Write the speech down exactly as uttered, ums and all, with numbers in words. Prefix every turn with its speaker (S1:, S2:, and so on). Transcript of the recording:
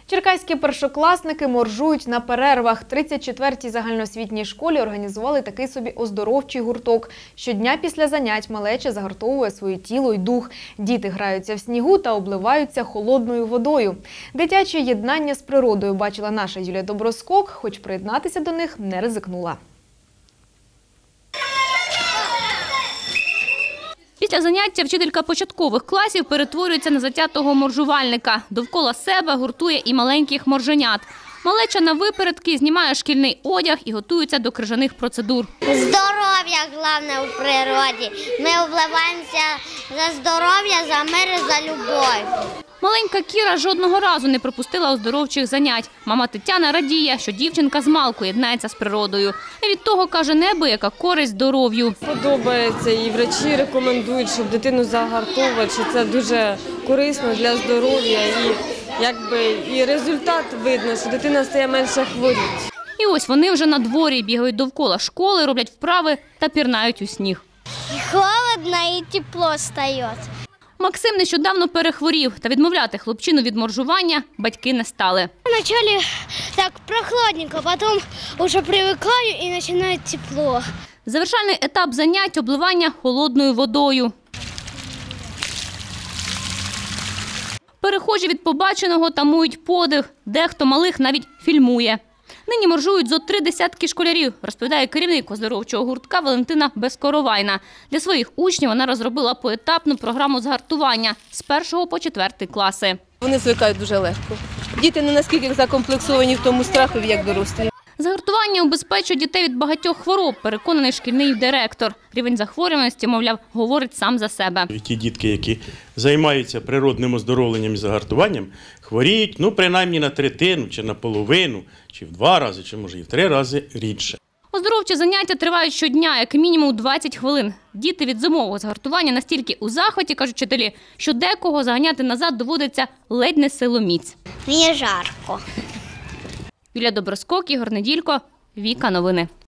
S1: Черкаські першокласники моржують на перервах. тридцять четвертій загальноосвітній школі організували такий собі оздоровчий гурток. Щодня після занять малеча загартовує своє тіло й дух. Діти граються в снігу та обливаються холодною водою. Дитяче єднання з природою бачила наша Юлія Доброскок, хоч приєднатися до них не ризикнула.
S2: Після заняття вчителька початкових класів перетворюється на затятого моржувальника. Довкола себе гуртує і маленьких морженят. Малеча на випередки знімає шкільний одяг і готується до крижаних процедур.
S3: Здоров'я головне у природі. Ми обливаємося за здоров'я, за мир і за любов.
S2: Маленька Кіра жодного разу не пропустила оздоровчих занять. Мама Тетяна радіє, що дівчинка з малку єднається з природою. І від того, каже, неабияка користь здоров'ю.
S4: Подобається, і врачі рекомендують, щоб дитину загартовувати, що це дуже корисно для здоров'я. І якби і результат видно, що дитина стає менше хворіти.
S2: І ось вони вже на дворі, бігають довкола школи, роблять вправи та пірнають у сніг.
S3: Холодно і тепло стає.
S2: Максим нещодавно перехворів, та відмовляти хлопчину від моржування батьки не стали.
S3: Вначале так прохладненько, потім вже привикаю і починає тепло.
S2: Завершальний етап занять – обливання холодною водою. Перехожі від побаченого тамують подих, дехто малих навіть фільмує. Нині моржують зо три десятки школярів, розповідає керівник оздоровчого гуртка Валентина Безкоровайна. Для своїх учнів вона розробила поетапну програму згартування з першого по четвертий класи.
S4: Вони звикають дуже легко. Діти не наскільки закомплексовані в тому страхові, як дорослі.
S2: Загартування убезпечує дітей від багатьох хвороб, переконаний шкільний директор. Рівень захворюваності, мовляв, говорить сам за себе.
S5: Ті дітки, які займаються природним оздоровленням і загартуванням, хворіють, ну, принаймні на третину, чи на половину, чи в два рази, чи може і в три рази рідше.
S2: Оздоровчі заняття тривають щодня, як мінімум двадцять хвилин. Діти від зимового згартування настільки у захваті, кажуть вчителі, що декого заганяти назад доводиться ледь не силоміць.
S3: Мені жарко.
S2: Юлія Доброскок, Ігор Неділько, Віка Новини.